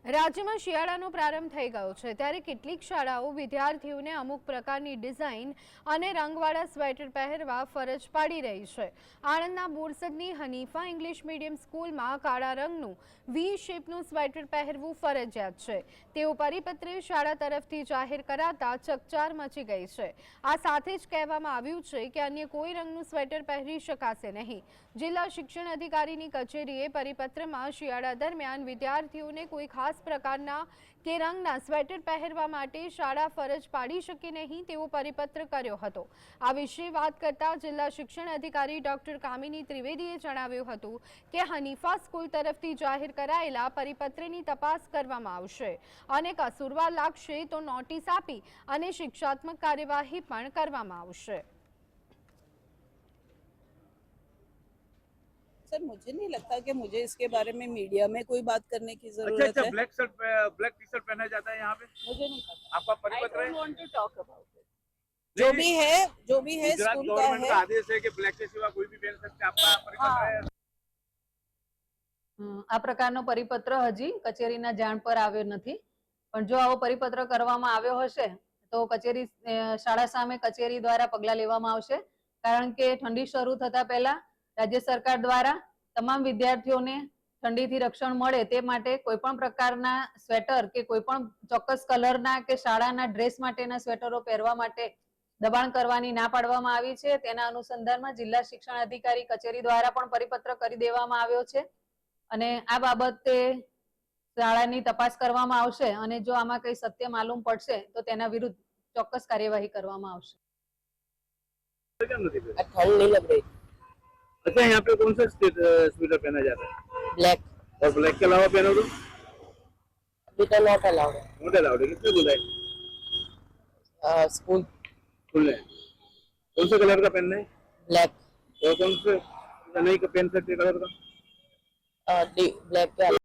રાજ્યમાં શિયાળાનો પ્રારંભ થઈ ગયો છે ત્યારે કેટલીક શાળાઓ વિદ્યાર્થીઓને અમુક પ્રકારની ડિઝાઇન અને રંગવાળા સ્વેટર પહેરવા ફરજ પાડી રહી છે। આણંદના બોરસદની હનીફા ઇંગ્લિશ મીડિયમ સ્કૂલમાં કાળા રંગનું વી શેપનું સ્વેટર પહેરવું ફરજિયાત છે તેવો પરિપત્ર શાળા તરફથી જાહેર કરાતા ચકચાર મચી ગઈ છે। આ સાથે જ કહેવામાં આવ્યું છે કે અન્ય કોઈ રંગનું સ્વેટર પહેરી શકાશે નહીં। જિલ્લા શિક્ષણ અધિકારીની કચેરીએ પરિપત્રમાં શિયાળા દરમિયાન વિદ્યાર્થીઓને કોઈ ખાસ પ્રકારના કે રંગના સ્વેટર પહેરવા માટે શાળા ફરજ પાડી શકે નહીં તેવો પરિપત્ર કર્યો હતો। આ વિશે વાત કરતા જિલ્લા શિક્ષણ અધિકારી ડોક્ટર કામિની ત્રિવેદીએ જણાવ્યું હતું કે હનીફા સ્કૂલ તરફથી જાહેર કરાયેલા પરિપત્રની તપાસ કરવામાં આવશે અને કસૂરવાર લાગશે તો નોટિસ આપી અને શિક્ષાત્મક કાર્યવાહી પણ કરવામાં આવશે। सर मुझे नहीं लगता कि मुझे इसके बारे में मीडिया में कोई बात करने की जरूरत है। ब्लैक टी शर्ट पहना जाता है यहाँ पे, मुझे नहीं पता, आपका परिपत्र है? want to talk about it. जो भी है स्कूल का है। आदेश है कि ब्लैक के सिवा कोई भी पहन सकते हैं, आपका परिपत्र है? આ પ્રકારનો પરિપત્ર હજી કચેરીના જાણ પર આવ્યો નથી, પણ જો આવો પરિપત્ર કરવામાં આવ્યો હશે તો કચેરી શાળા સામે કચેરી દ્વારા પગલાં લેવામાં આવશે। કારણ કે ઠંડી શરૂ થતા પહેલા રાજ્ય સરકાર દ્વારા તમામ વિદ્યાર્થીઓને ઠંડીથી રક્ષણ મળે તે માટે કોઈ પણ પ્રકારના સ્વેટર કે કોઈ પણ ચોક્કસ કલરના કે શાળાના ડ્રેસ માટેના સ્વેટરો પહેરવા માટે દબાણ કરવાની ના પાડવામાં આવી છે। તેના અનુસંધાનમાં જિલ્લા શિક્ષણ અધિકારી કચેરી દ્વારા પણ પરિપત્ર કરી દેવામાં આવ્યો છે અને આ બાબતે શાળાની તપાસ કરવામાં આવશે અને જો આમાં કંઈ સત્ય માલુમ પડશે તો તેના વિરુદ્ધ ચોક્કસ કાર્યવાહી કરવામાં આવશે। ठंड नहीं लग रही। अच्छा, यहाँ पे कौन सा स्वेटर पहना जाता है? ब्लैक। और ब्लैक के अलावा पहनो तो अभी तो नॉट अलाउड है। नोट अलाउड है। किसने बोला है? स्कूल खुले कौन से कलर का पहनना है? ब्लैक। और कौन से नहीं पहन सकते कलर का? ब्लैक